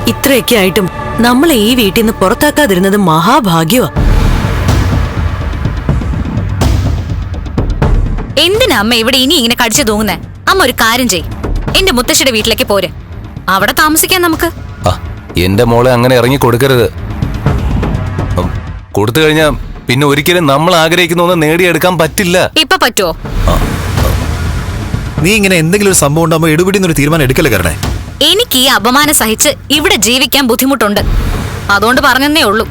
ഇത്രയൊക്കെ ആയിട്ടും നമ്മളെ ഈ വീട്ടിൽ നിന്ന് പുറത്താക്കാതിരുന്നത് മഹാഭാഗ്യമാ. എന്തിനാ അമ്മ ഇവിടെ ഇനി ഇങ്ങനെ കടിച്ചു തൂങ്ങുന്നേ? അമ്മ ഒരു കാര്യം ചെയ്, എന്റെ മുത്തശ്ശിയുടെ വീട്ടിലേക്ക് പോരെ, അവിടെ താമസിക്കാൻ നമുക്ക്. എന്റെ മോളെ അങ്ങനെ ഇറങ്ങി കൊടുക്കരുത്. കൊടുത്തു കഴിഞ്ഞാ പിന്നെ ഒരിക്കലും നമ്മൾ ആഗ്രഹിക്കുന്ന ഒന്ന് നേടിയെടുക്കാൻ പറ്റില്ല. ഇപ്പൊ പറ്റുമോ? നീ ഇങ്ങനെ എന്തെങ്കിലും ഒരു സംഭവം ഉണ്ടാകുമ്പോ എടുപിടിന്നൊരു തീരുമാനം എടുക്കല്ലേ കരണേ. എനിക്ക് ഈ അപമാനം സഹിച്ച് ഇവിടെ ജീവിക്കാൻ ബുദ്ധിമുട്ടുണ്ട്, അതുകൊണ്ട് പറഞ്ഞെന്നേ ഉള്ളൂ.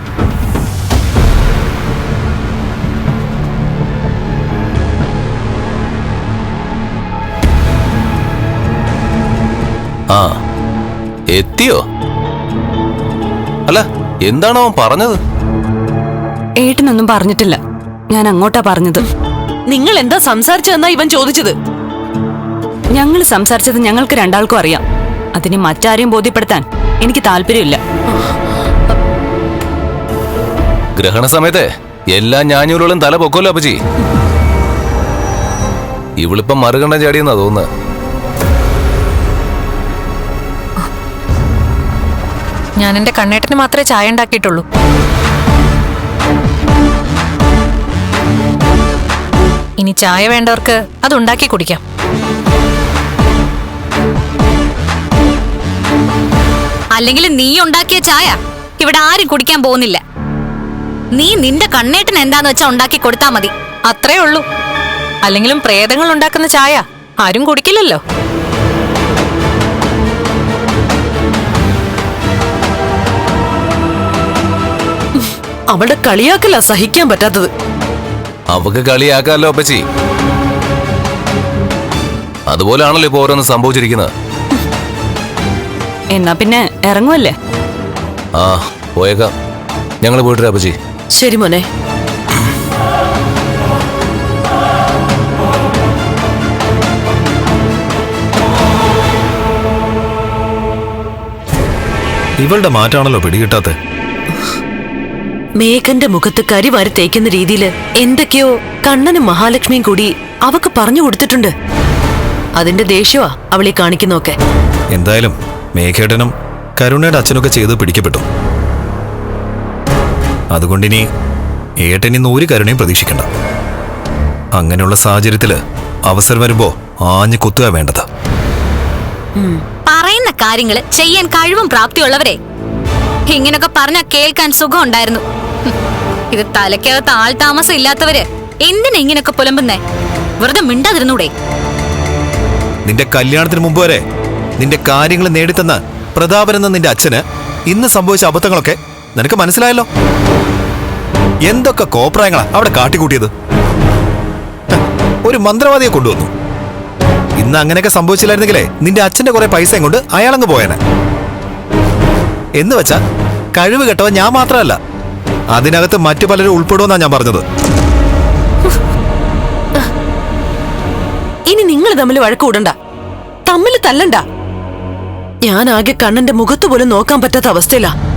എത്തിയോ? അല്ല, എന്താണോ പറഞ്ഞത്? ഏട്ടനൊന്നും പറഞ്ഞിട്ടില്ല, ഞാൻ അങ്ങോട്ടാ പറഞ്ഞത്. നിങ്ങൾ എന്താ സംസാരിച്ചതെന്നാ ഇവൻ ചോദിച്ചത്. ഞങ്ങൾ സംസാരിച്ചത് ഞങ്ങൾക്ക് രണ്ടാൾക്കും അറിയാം. അതിന് മറ്റാരെയും ബോധ്യപ്പെടുത്താൻ എനിക്ക് താല്പര്യമില്ല. ഗ്രഹണ സമയത്തെ എല്ലാ ഞാഞ്ഞൂലുകളും തല പൊക്കോല്ലോ അപ്പച്ചി. ഇവളിപ്പം മറുകണ്ഠം ചാടിയെന്നാ തോന്നുന്നത്. ഞാൻ എന്റെ കണ്ണേട്ടന് മാത്രമേ ചായ ഉണ്ടാക്കിയിട്ടുള്ളൂ. ഇനി ചായ വേണ്ടവർക്ക് അത് ഉണ്ടാക്കി കുടിക്കാം. അല്ലെങ്കിൽ നീ ഉണ്ടാക്കിയ ചായ ഇവിടെ ആരും കുടിക്കാൻ പോകുന്നില്ല. നീ നിന്റെ കണ്ണേട്ടന് എന്താന്ന് വെച്ചാ ഉണ്ടാക്കി കൊടുത്താ മതി, അത്രേ ഉള്ളൂ. അല്ലെങ്കിലും പ്രേതങ്ങൾ ഉണ്ടാക്കുന്ന ചായ ആരും കുടിക്കില്ലല്ലോ. അവളുടെ കളിയാക്കല്ല സഹിക്കാൻ പറ്റാത്തത്. അവക്ക് കളിയാക്കാമല്ലോ അപ്പച്ചി. അതുപോലെയാണല്ലോ ഇപ്പൊ ഓരോന്ന് സംഭവിച്ചിരിക്കുന്നത്. എന്നാ പിന്നെ ഇറങ്ങുമല്ലേ? പോയേക്കാം. ഞങ്ങൾ പോയിട്ട് അപ്പച്ചി. ശരി മോനെ. ഇവളുടെ മാറ്റാണല്ലോ പിടികിട്ടാത്ത. മേഘന്റെ മുഖത്ത് കരി വാരി തേക്കുന്ന രീതിയില് എന്തൊക്കെയോ കണ്ണനും മഹാലക്ഷ്മിയും കൂടി അവക്ക് പറഞ്ഞു കൊടുത്തിട്ടുണ്ട്. അതിന്റെ ദേഷ്യമാ അവളീ കാണിക്കുന്നൊക്കെ. എന്തായാലും മേഘേട്ടനും കരുണയുടെ അച്ഛനൊക്കെ ചെയ്ത് പിടിക്കപ്പെട്ടു. അതുകൊണ്ടിനി ഏട്ടനിന്ന് ഒരു കരുണയും പ്രതീക്ഷിക്കണ്ട. അങ്ങനെയുള്ള സാഹചര്യത്തില് അവസരം വരുമ്പോ ആഞ്ഞു കുത്തുക വേണ്ടത്. പറയുന്ന കാര്യങ്ങള് ചെയ്യാൻ കഴിവും പ്രാപ്തിയുള്ളവരെ ഇങ്ങനൊക്കെ പറഞ്ഞാ കേൾക്കാൻ സുഖം ഉണ്ടായിരുന്നു. ഇത് തലയ്ക്കകത്ത് ആൾ താമസം ഇല്ലാത്തവര് എന്തിനാ ഇങ്ങനൊക്കെ പുലമ്പുന്നേ? വെറുതെ മിണ്ടാതിരുന്നൂടെ? നിന്റെ കല്യാണത്തിന് മുമ്പ് വരെ നിന്റെ കാര്യങ്ങൾ നേടിത്തന്ന പ്രതാപനെന്ന നിന്റെ അച്ഛന് ഇന്ന് സംഭവിച്ച അബദ്ധങ്ങളൊക്കെ നിനക്ക് മനസ്സിലായല്ലോ. എന്തൊക്കെ കോപ്രായങ്ങളാ അവിടെ കാട്ടിക്കൂട്ടിയത്. ഒരു മന്ത്രവാദിയെ കൊണ്ടുവന്നു. ഇന്ന് അങ്ങനെയൊക്കെ സംഭവിച്ചില്ലായിരുന്നെങ്കിലേ നിന്റെ അച്ഛന്റെ കുറെ പൈസയും കൊണ്ട് അയാളങ്ങ് പോയേനെ. എന്ന് വെച്ചാ കഴിവ് കെട്ടവൻ ഞാൻ മാത്രമല്ല, അതിനകത്ത് മറ്റു പലരും ഉൾപ്പെടുമെന്നാ ഞാൻ പറഞ്ഞത്. ഇനി നിങ്ങൾ തമ്മിൽ വഴക്ക് കൂടണ്ട, തമ്മിൽ തല്ലണ്ട. ഞാൻ ആകെ കണ്ണന്റെ മുഖത്ത് പോലും നോക്കാൻ പറ്റാത്ത അവസ്ഥയിലാ.